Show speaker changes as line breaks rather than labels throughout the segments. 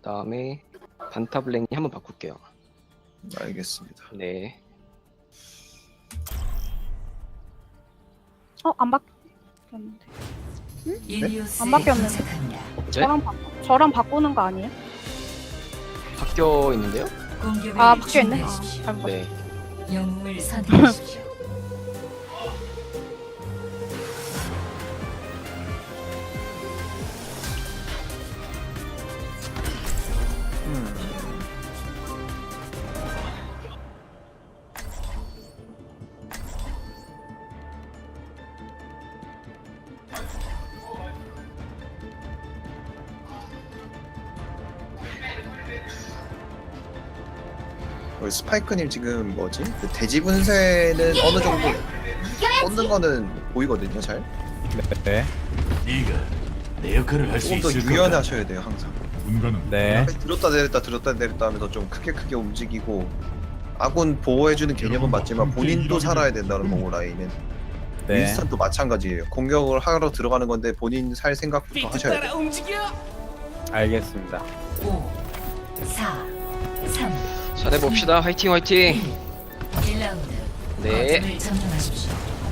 다음에 반타블랭이 한번 바꿀게요.
알겠습니다.
네.
안 바뀌었는데.
일리오스에
안 바뀌었는데.
도착합니다.
네?
저랑 바꾸는 거 아니에요?
바뀌어 있는데요?
공격을
바뀌어 있네.
준비하십시오.
잘못 봤어.
네.
영웅을 선택하십시오.
우리 스파이크님 지금 뭐지? 그 돼지 분쇄는 어느 정도 꽂는 거는 보이거든요, 잘.
네.
네가 내 역할을 할 수
조금 더
있을 거다.
유연하셔야 돼요, 항상.
군가는
네.
들었다 내렸다 하면서 좀 크게 움직이고 아군 보호해주는 개념은 맞지만 본인도 살아야 된다는 거고 라인은.
네.
윈스턴도 마찬가지예요. 공격을 하러 들어가는 건데 본인 살 생각부터 하셔야 돼요.
알겠습니다.
5, 4, 3,
잘해봅시다. 화이팅 화이팅.
1라운드.
네.
거점을 점령하십시오.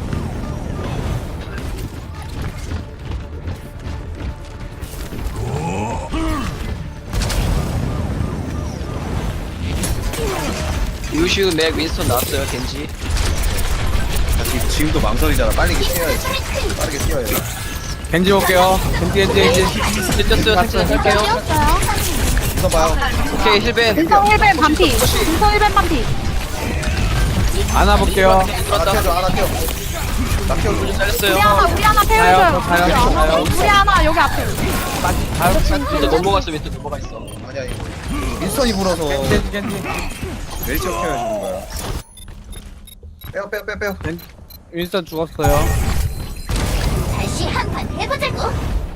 유슈 맥 윈스턴 나왔어요. 겐지.
지금도 망설이잖아. 빠르게 뛰어야지. 빠르게 뛰어야 돼.
겐지 볼게요. 겐지.
들렸어요. 탈출 할게요.
뛰었어요.
이거 봐요.
오케이 힐벤.
인성 1벤 반피. 인성 1벤 반피.
안아 볼게요.
하나 태워줘, 하나 태워. 나 태워줘.
잘렸어요.
우리 하나
가요,
태워줘요.
가요.
우리 하나 여기 앞에.
윈스턴 넘어갔어. 윈스턴 넘어가 있어.
아니야, 이거. 윈스턴이 불어서
겐지.
멜치어 키워주는 거야. 빼요.
윈스턴 죽었어요.
다시 한판 해보자고.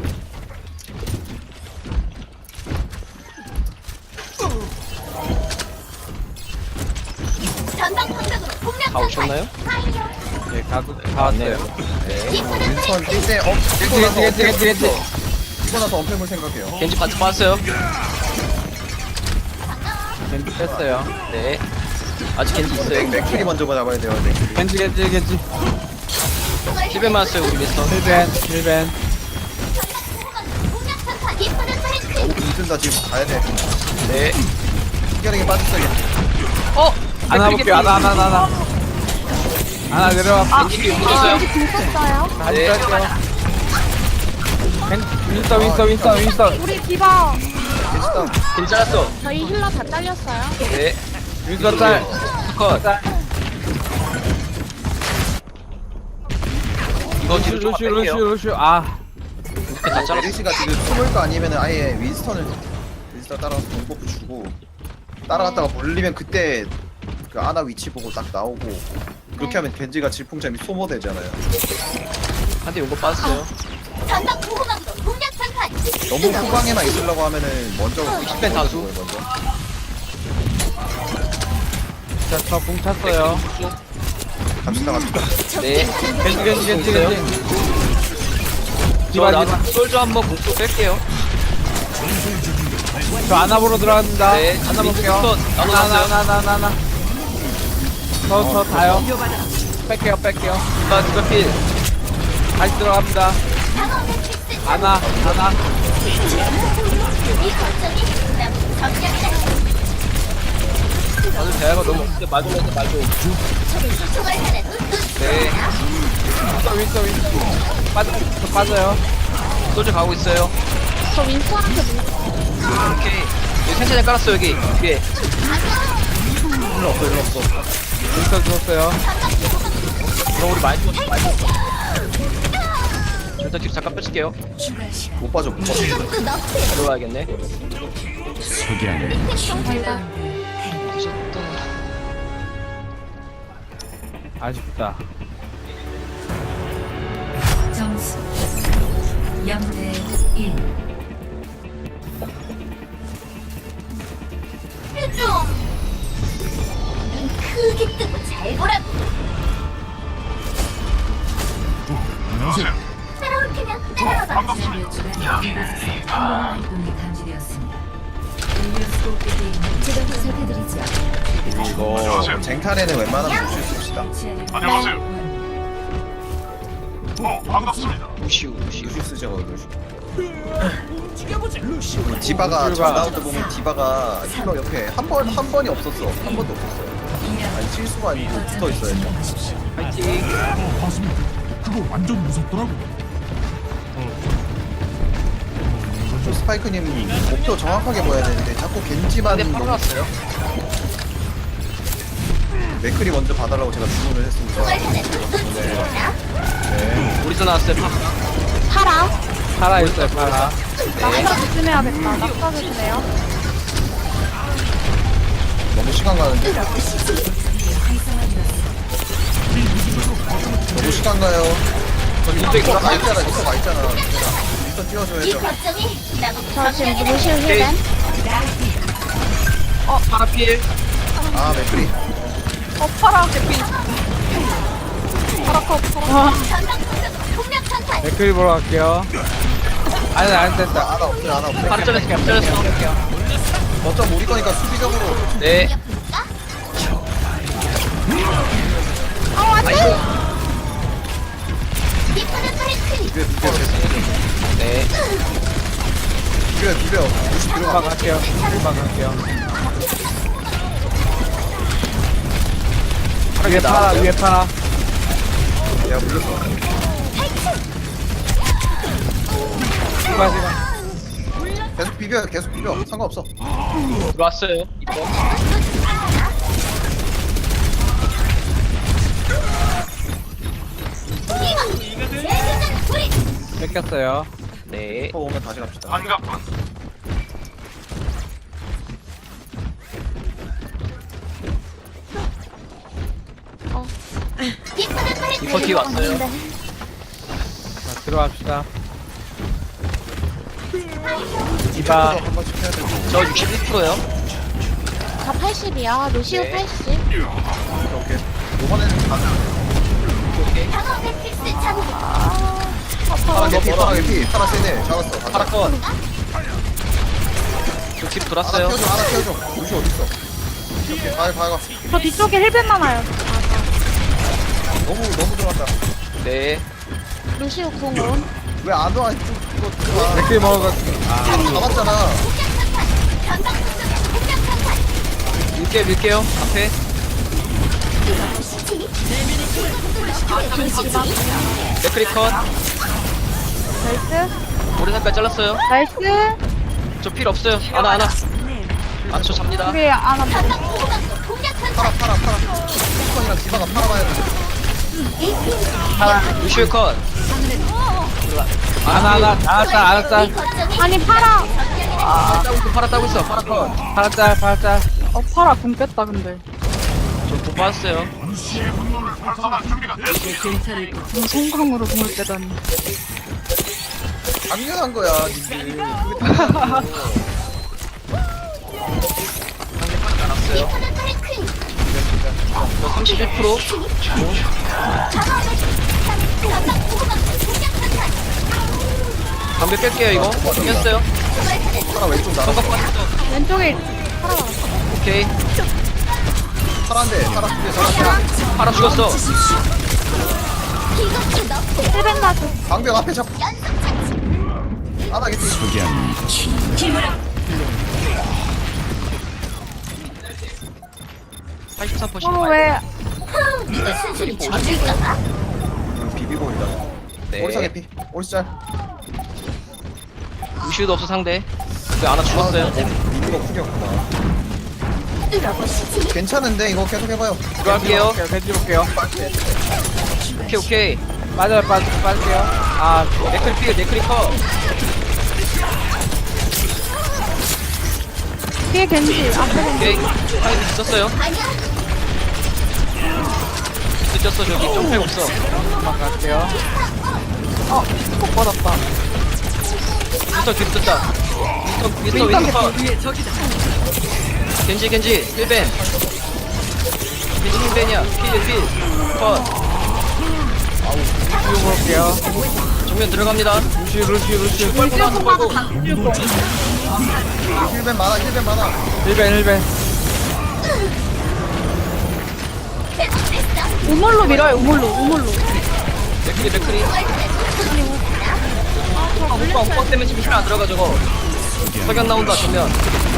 전방 공격으로 공략
다 오셨나요?
네, 다
왔네요.
왔어요.
윈스턴 뛸때
겐지.
뛰고 나서 엄폐물 생각해요.
겐지 반트 빠졌어요.
겐지 뺐어요.
네. 아직 겐지 있어요.
맥킬이 먼저 잡아야 돼요. 맥킬이.
겐지.
힐벤 맞았어요. 우리 윈스턴.
힐벤.
공략 전파 이쁘는 소리.
오, 힘든다 지금 가야 돼.
네.
희결하게 빠졌어요.
안아 볼게요. 안아. 안아 내려와.
겐지 뒤에 묻었어요.
겐지 궁 썼어요.
네.
윈스턴.
우리 디바.
괜찮다.
겐지 잘랐어.
저희 힐러 다 잘렸어요.
네.
윈스턴 짤.
컷. 이거 뒤로 좀 뺄게요.
루슈. 아.
다 잘랐어.
메리시가 지금 숨을 거 아니면 아예 윈스턴 따라가서 공버프 주고 따라갔다가 몰리면 그때 그 아나 위치 보고 딱 나오고 그렇게 하면 겐지가 질풍참이 소모되잖아요.
한대 용거 빠졌어요.
전방 보호막으로 공략 전파.
너무 후방에만 있으려고 하면은 먼저
힐벤 다수.
먼저.
자, 저공 찼어요.
갑시다.
네.
겐지.
저 솔저 한번 공수 뺄게요.
저 안아 보러 들어갑니다.
네.
안아 볼게요.
나눠놨어요.
하나. 저 다요. 뺄게요.
누가 필.
다시 들어갑니다. 안아.
이 거점이 너무 점령이다.
나는 대화가 너무 없는데 맞으면서 맞아.
총알 하나 또
네.
윈스턴. 빠져요.
솔저 가고 있어요.
저 윈스턴한테
오케이. 여기 텐션에 깔았어 여기 뒤에.
일로 없어.
윈스턴 죽었어요.
그럼 우리 많이 죽었어. 저 일단 뒤로 잠깐 뺄게요.
추가 시간.
못 빠져.
이것도 너프야.
들어와야겠네.
석양이
1라운드.
뒤졌다.
아쉽다.
점수 0대 1.
좀. 눈 크게 뜨고 잘 보라고.
안녕하세요.
따라올 테면 따라와봐.
지난 몇 주간 이곳에서 활동이 감지되었습니다. 제가 보살펴드리죠.
이거 쟁탈에는 웬만하면 루시우 씁시다.
루시우
루시우 쓰죠 루시우. 디바가 저 라운드 보면 디바가 힐러 옆에 한 번이 없었어. 한 번도 없었어요. 아니 실수가 아니고 붙어 있어야죠.
파이팅.
봤습니다. 그거 완전 무섭더라고.
저 스파이크님 목표 정확하게 보여야 되는데 자꾸 겐지만
근데 빨랐어요.
맥클이 먼저 봐달라고 제가 주문을 했습니다.
총알 하나 놓치지 마.
우리도 나왔어요.
파라.
파라 있어요, 파라.
낙사 조심해야겠다. 낙사 조심해요.
너무 시간 가는데? 너무 시간 가요. 저기
이쪽에
와 있잖아, 와 있잖아. 일단
이
띄워줘야죠.
거점이 나보고
저 지금
점령이다.
루시우 힐벤.
파라필.
아 맥클이.
파라 개피. 파라 컷. 파라.
전방 공격 전탈.
맥크리 보러 갈게요. 아니, 안 됐다.
하나 없어요, 하나 없어요.
파라 잘렸어. 잘렸어.
어쩜 우리 거니까 수비적으로.
네.
디프는 프리클.
네.
비벼. 루시
금방
들어가.
갈게요. 금방 갈게요. 위에 파라, 위에 파라.
야 물렸어.
시간.
계속 비벼. 상관없어.
들어왔어요. 이거.
뺏겼어요.
네.
더 오면 다시 갑시다.
디프는 프리클.
리퍼 뒤에 왔어요.
자, 들어갑시다. 디바.
한 번씩 해야 되고.
저 61%요.
저 80이야. 루시우
네.
80.
오케이. 이번에는 가자.
오케이.
방어 매트리스 장비.
파라 개피, 파라 개피. 파라 세네. 잡았어. 가자.
파라 컷. 저팀
하나
돌았어요.
켜줘. 루시 어딨어? 오케이. 가.
저 뒤쪽에 힐벤 많아요.
너무 들어간다.
네.
루시우 궁은.
왜 안 와? 이거 들어와.
맥크리 먹을 것
잡았잖아.
전방 공격 전탈.
밀게요. 앞에. 맥크리 컷.
나이스.
오래 살까지 잘랐어요.
나이스.
저 필 없어요. 하나. 아, 저 잡니다.
우리 아나
전방 공격 전탈.
파라. 뚜껑이랑 디바가 팔아봐야 돼.
루시오 컷.
하나. 알았다.
이 거점이
아니 파라.
파라 따고 있어. 파라 컷.
파라짤.
파라 궁 뺐다 근데.
저돈 빠졌어요.
성광으로 궁을 빼다니.
당연한 거야, 니들.
알았어요.
디프는 프리클.
저 31%.
방어 매트리스. 전방 공격 전탈.
담배 뺄게요, 이거. 뺐어요.
파라 왼쪽 나가.
성각 빠졌어.
왼쪽에
오케이.
파란데, 파라 두개 잡았어.
파라 죽었어.
이것도 너프야.
힐벤 가져.
방벽 앞에 잡고. 하나 개피.
석양
83%.
왜?
누가 순순히 죽일까봐?
비비고 있다.
네.
오리사 개피. 오리사 짤.
루시오도 없어 상대. 그 하나 죽었어요.
미는 거 크게였구나.
뚫어보시지.
괜찮은데 이거 계속 해봐요.
들어갈게요.
겐지 볼게요.
오케이.
빠질게요. 아,
네클 필, 네클이 컷.
뒤에 겐지. 앞에 겐지.
오케이. 타임 있었어요.
아니야.
늦었어, 저기. 점프해 없어.
금방 갈게요.
꼭 받았다.
미스터 뒤로 떴다. 미스터 컷. 겐지, 힐벤. 겐지 힐벤이야. 필. 컷.
루시우 볼게요.
정면 들어갑니다.
루시우.
뻘고 나서 뻘고.
힐벤 많아 힐벤 많아.
1벤
우물로 밀어요, 우물로.
맥크리. 엉빵 때문에 지금 힐안 들어가 저거. 석양 나온다 정면.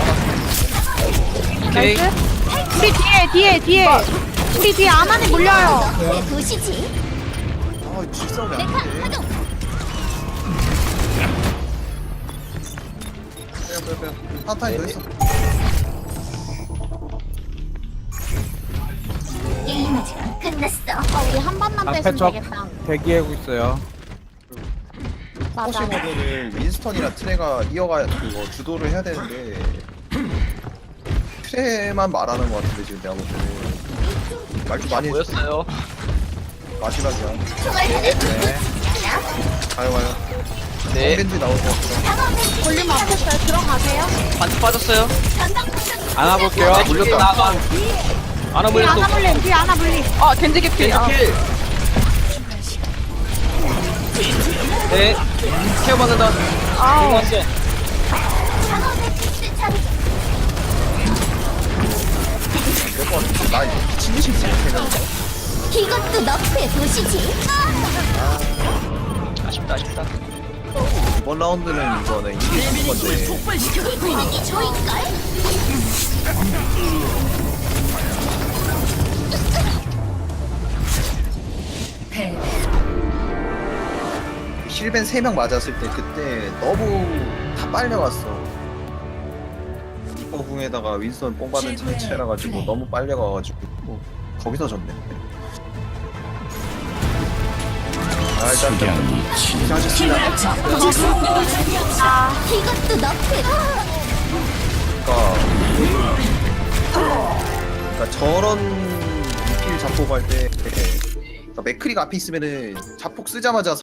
오케이.
나이스. 우리 뒤에. 우리 뒤에 아만이 물려요.
내 도시지.
아 질싸움이
메카
안 돼.
가동.
빼요. 한타임 더 있어.
게임 아직 안 끝났어.
우리 한 번만
앞에
빼시면
적
되겠다.
대기하고 있어요.
맞아.
포시모드를 윈스턴이나 트레가 그거 주도를 해야 되는데 트레만 말하는 것 같은데 지금 내가 볼 때는 말좀 많이 해줘.
보였어요.
마지막이야.
총알탄을
가요.
네.
벤지 나올 것 같아.
볼륨 앞에서요. 들어가세요.
반트 빠졌어요.
안아볼게요.
물렸다.
나가. 안아
뒤에
물렸어.
하나 물림, 뒤에 하나 물림. 겐지 개피.
킬. 네. 케어 받는다.
아우.
왔어.
나 이거 미친 듯이 생각해.
이것도 너프의 도시지.
아쉽다.
이번 라운드는 이거는 이게 좋은 건데
분위기 좋을걸?
힐벤 3명 맞았을 때 그때 너무 다 빨려갔어. 이거 궁에다가 윈스턴 뽕 받은 자체라 가지고 너무 빨려가가지고 거기서 졌네. 일단 고생하셨습니다.
이것도 너프의
그러니까 저런 리필 자폭 할 때 그러니까 맥크리가 앞에 있으면은 자폭 쓰자마자